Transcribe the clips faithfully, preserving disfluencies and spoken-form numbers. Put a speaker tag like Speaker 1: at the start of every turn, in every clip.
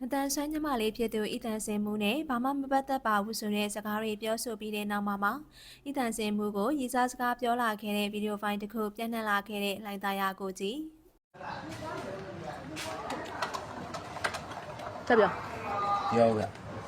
Speaker 1: တန်ဆွမ်းညမလေးဖြစ်သူအီတန်စင်မှုနဲ့ဘာမှမပတ်သက်ပါဘူးဆိုတဲ့စကားတွေပြောဆိုပြီးတဲ့နောက်မှာမှအီတန်စင်မှုကိုရည်စားစကားပြောလာခဲ့တဲ့ဗီဒီယိုဖိုင်တစ်ခုပြန့်နှံ့လာခဲ့တဲ့လိုင်သားရကိုကြည့်
Speaker 2: ဆက်ပြော
Speaker 3: ပြောဗျ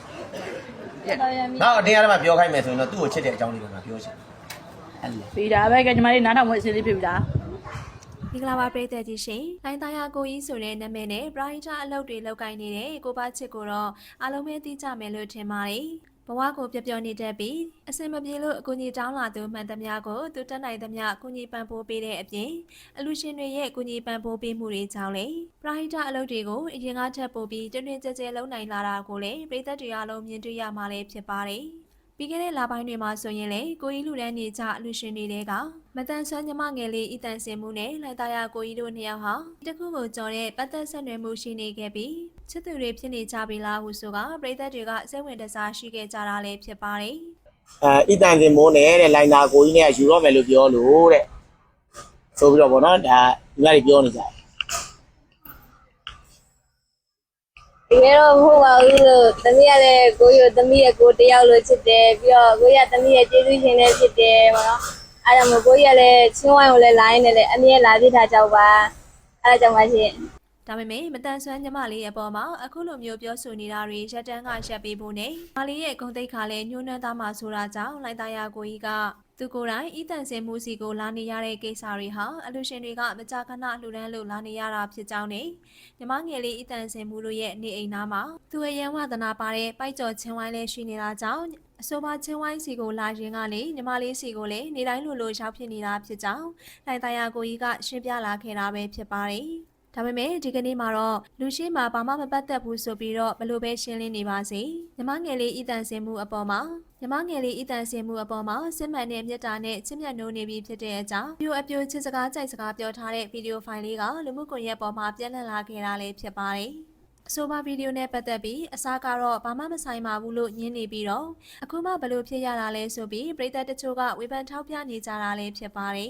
Speaker 3: နောက်အတင်းအားမှပြောခိုင်းမယ်ဆိုရင်တော့သူ့ကိုချစ်တဲ့အကြောင်းလေးကိုငါပြောချင်တယ်
Speaker 2: ပြီးတာပဲကညီမလေးနားထောင်ဝင်အစီအစဉ်ဖြစ်ပြီလား
Speaker 1: မင်္ဂလာပါပရိသတ်ကြီးရှင်လိုင်သားရကိုကြီးဆိုတဲ့နာမည်နဲ့ပရိုင်တာအလုပ်တွေလုပ်ကိုင်နေတဲ့ကိုပါချစ်ကိုတော့အားလုံးပဲသိကြမယ်လို့ထင်ပါတယ်ဘဝကိုပြပြနေတတ်ပြီးအစင်မပြေလို့အကူအညီတောင်းလာသူမှန်သမျှကိုသူတက်နိုင်သမျှကူညီပံ့ပိုးပေးတဲ့အပြင်အလူရှင်တွေရဲ့ကူညီပံ့ပိုးပေးမှုတွေကြောင့်လေပရိုင်တာအလုပ်တွေကိုအရင်ကထပ်ပို့ပြီးတွင်တွင်ကြဲကြဲလုပ်နိုင်လာတာကိုလည်းပရိသတ်တွေအားလုံးမြင်တွေ့ရမှာလည်းဖြစ်ပါတယ်ပြီးခဲ့တဲ့လပိုင်းတွေမှာဆိုရင်လေကိုကြီးလူတန်းနေကြအလူရှင်တွေတဲကမတန်ဆွမ်းညမငယ်လေးအီတန်စင်မှုနဲ့လိုင်သားရကိုကြီးတို့နှစ်ယောက်ဟာတခုကိုကြော်တဲ့ပတ်သက်ဆက်နွယ်မှုရှိနေခဲ့ပြီးချစ်သူတွေဖြစ်နေကြပြီလားဟုဆိုကပရိသတ်တွေကစိတ်ဝင်တစားရှိခဲ့ကြတာလည်းဖြစ်ပါတယ်
Speaker 4: အဲအီတန်စင်မိုးနဲ့တဲ့လိုင်သားကိုကြီးနဲ့ယူတော့မယ်လို့ပြောလို့တဲ့ဆိုပြီးတော့ဗောနော်ဒါညီမတွေပြောနေကြတယ်
Speaker 5: ဒီကတော့မဟုတ်ပါဘူးလို့သမီးရတဲ့ကိုရသမီးရကိုတယောက်လို့ချစ်တယ်ပြီးတော့ကိုရသမီးရကျေးဇူးရှင်လည်းဖြစ်တယ်ပေါ့နော်အဲ့ဒါမို့ကိုရလည်းချင်းဝိုင်းကိုလည်းလိုင်းနေလေအမြဲလာပြထားကြပါအဲ့ဒါကြောင့်ပါရှင်
Speaker 1: ဒါပေမဲ့မတန်ဆွမ်းညမလေးရဲ့အပေါ်မှာအခုလိုမျိုးပြောဆိုနေတာတွေရက်တန်းကရက်ပေးဖို့နဲ့မလေးရဲ့ဂုဏ်သိက္ခာလည်းညှိုးနှမ်းသားမှဆိုတာကြောင့်လိုင်သားရကိုကြီးကသူကိုယ်တိုင်အီတန်စင်မှုစီကိုလာနေရတဲ့ကိစ္စတွေဟာအလူရှင်တွေကမကြာခဏလှူဒန်းလို့လာနေရတာဖြစ်ကြောင်းနဲ့ညီမငယ်လေးအီတန်စင်မှုတို့ရဲ့နေအိမ်သားမှာသူရဲ့ရန်ဝဒနာပါတဲ့ပိုက်ကြော်ချင်းဝိုင်းလေးရှိနေတာကြောင့်အဆိုပါချင်းဝိုင်းစီကိုလာရင်ကနေညီမလေးစီကိုလည်းနေတိုင်းလိုလိုရောက်ဖြစ်နေတာဖြစ်ကြောင်းလိုင်သားရကိုကြီးကရှင်းပြလာခဲ့တာပဲဖြစ်ပါတယ်ဒါပေမဲ့ဒီကနေ့မှာတော့လူရှိမှာဘာမှမပတ်သက်ဘူးဆိုပြီးတော့ဘလို့ပဲရှင်းလင်းနေပါစေညီမငယ်လေးအီတန်စင်မှုအပေါ်မှာညီမငယ်လေးအီတန်စင်မှုအပေါ်မှာစစ်မှန်တဲ့မြတ်တာနဲ့ချစ်မြတ်နိုးနေပြီဖြစ်တဲ့အကြောင်းပြိုအပြိုချစ်စကားကြိုက်စကားပြောထားတဲ့ဗီဒီယိုဖိုင်လေးကလူမှုကွန်ရက်ပေါ်မှာပြန့်နှံ့လာခဲ့တာလည်းဖြစ်ပါတယ်အဆိုပါဗီဒီယိုနဲ့ပတ်သက်ပြီးအစားကတော့ဘာမှမဆိုင်ပါဘူးလို့ညင်းနေပြီးတော့အခုမှဘလို့ဖြစ်ရတာလဲဆိုပြီးပရိသတ်တချို့ကဝေဖန်ထောက်ပြနေကြတာလည်းဖြစ်ပါတယ်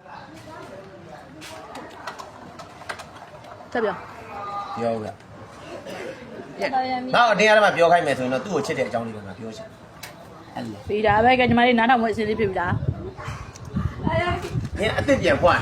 Speaker 2: ဆက်ပြော
Speaker 3: ပြောဗျနောက်အတင်းအားမှပြောခိုင်းမယ်ဆိုရင်တော့သူ့ကိုချစ်တဲ့အကြောင်းလေးကိုငါပြောချင်တယ်
Speaker 2: ပြီးတာပဲကညီမလေးနားထောင်ဝင်အစီအစဉ်ဖြစ်ပြီလား
Speaker 3: ညအစ်စ်ပြန်ဖွင့်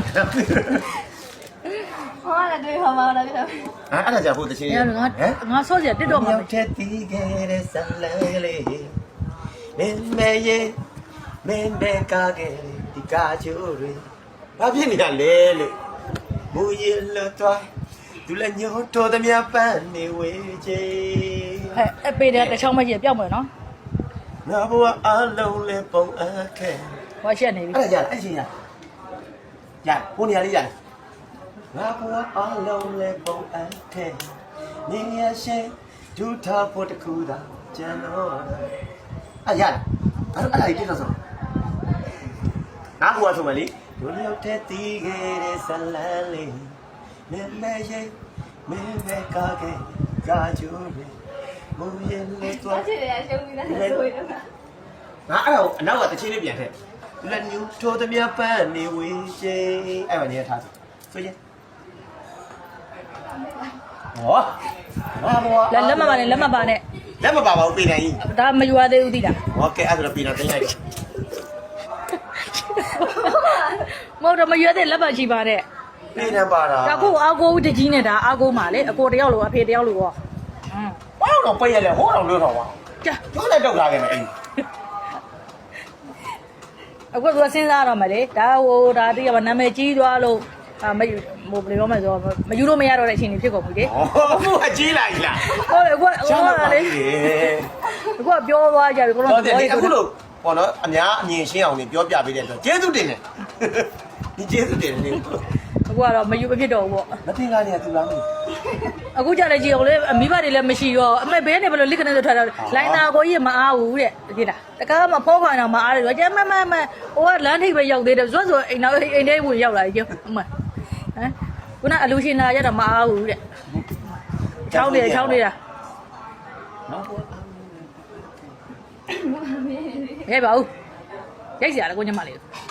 Speaker 5: ဟောလည်းတွေ့ဟောမှာလားပြတော့
Speaker 3: ဟာအဲ့ဒါကြောင့်ဟိုတချင်း
Speaker 2: ငါငါဆော့စရာတစ်တော့မှာ
Speaker 3: ရောက်တဲ့တီးခဲ့တဲ့ဆလန်လေးမင်းမဲရဲ့မင်းတဲ့ကားခဲ့ဒီကားချိုးတွေဘာဖြစ်နေရလဲလို့မူရင်လွတ်သွားသူလည်းညို့တော်သမျှပန်းနေဝေးချေ
Speaker 2: ဟဲ့အပေတဲ့တစ်ချောင်းမကြီးပြောက်မယ်နော်
Speaker 3: ငါဘဝအလုံးလေးပုံအပ်ခဲ့
Speaker 2: ဟောချက်နေပြီ
Speaker 3: အဲ့ဒါရအဲ့ချင်းရရကိုနေရာလေးရငါဘဝအလုံးလေးပုံအပ်ခဲ့နေရရှိဒူထားဖို့တခုသာကျန်တော့အဲ့ရအဲ့အဲ့ဒါကြီးပြတော့ဆိုငါဘဝဆိုမလေးဒုရောက်တဲ့တီးခဲ့တဲ့ဇလန်လေးမင်းမဲရဲ့မင်းမဲကားခဲ့ကားချိုးပဲမူရင်လေးတော့
Speaker 5: ချစ်တယ်ရှုံးပြီးသားဆိုရင်
Speaker 3: ငါအဲ့ဒါအနောက်ကတချင်းလေးပြန်ထည့်လက်ညူထိုးသမျှပန်းနေဝေးချေအဲ့ပါနေထားဆိုဆိုရင်ဟောဘာဘော
Speaker 2: လက်လက်မပါနဲ့လက်မပါနဲ့
Speaker 3: လက်မပါပါဘူးပြည်နိုင်ကြီး
Speaker 2: ဒါမယူရသေးဘူးသိလား
Speaker 3: โอเคအဲ့ဒါပြည်နိုင်တင်လိုက်တယ်
Speaker 2: မဟုတ်တော့မရွေးတဲ့လက်ပါရှိပါတဲ့
Speaker 3: ပြည်နိုင်ပါတာ
Speaker 2: ဒါကိုအာကိုတကြီးနဲ့ဒါအာကိုမှာလေအကိုတယောက်လိုအဖေတယောက်လိုရော
Speaker 3: ဟမ်ဘာလို့ပိတ်ရလဲဟောတော့လွတ်တော့ပါ
Speaker 2: ကြာ
Speaker 3: ကျိုးလိုက်တော့လာခဲ့မယ်အဲ့
Speaker 2: အခုကစဉ်းစားရတော့မယ်လေဒါဟိုဒါတိရပါနာမည်ကြီးသွားလို့အာမယူဟိုဘယ်လိုပြောမလဲဆိုတော့မယူလို့မရတော့တဲ့အချိန်ကြီးဖြစ်ကုန်ပြီလေ
Speaker 3: ဟောဘုရားကြီးလာကြီးလား
Speaker 2: ဟုတ်တယ်အခုဟိုလေအခုကပြောသွားကြပြီကိုတော့
Speaker 3: အခုလို့ပေါ့နော်အများအမြင်ရှင်းအောင်နေပြောပြပေးတဲ့အတွက်ကျေးဇူးတင်တယ်ဒီကျေးဇူးတင်တယ်
Speaker 2: အခုကတော့မယူမဖြစ်တော့ဘူးပေါ့
Speaker 3: မတင်ကားနေတူလားမသိ
Speaker 2: အခုကြလည်းကြည့်အောင်လေမိဘတွေလည်းမရှိရောအမေဘဲနေဘယ်လိုလိခနဲ့ဆိုထားတာလိုင်းနာကိုကြီးမအားဘူးတဲ့ကြည့်လားတကားမဖောခွာတော့မအားတယ်ကျမမမဟိုကလမ်းထိပ်ပဲရောက်သေးတယ်ဇွတ်ဆိုအိမ်နောက်အိမ်ထဲဝင်ရောက်လာကြည့်အမဟမ်ခုနအလူရှင်လာရတော့မအားဘူးတဲ့ချောင်းနေချောင်းနေတာဟဲ့ပါဦးရိုက်စရာလေကိုညမလေး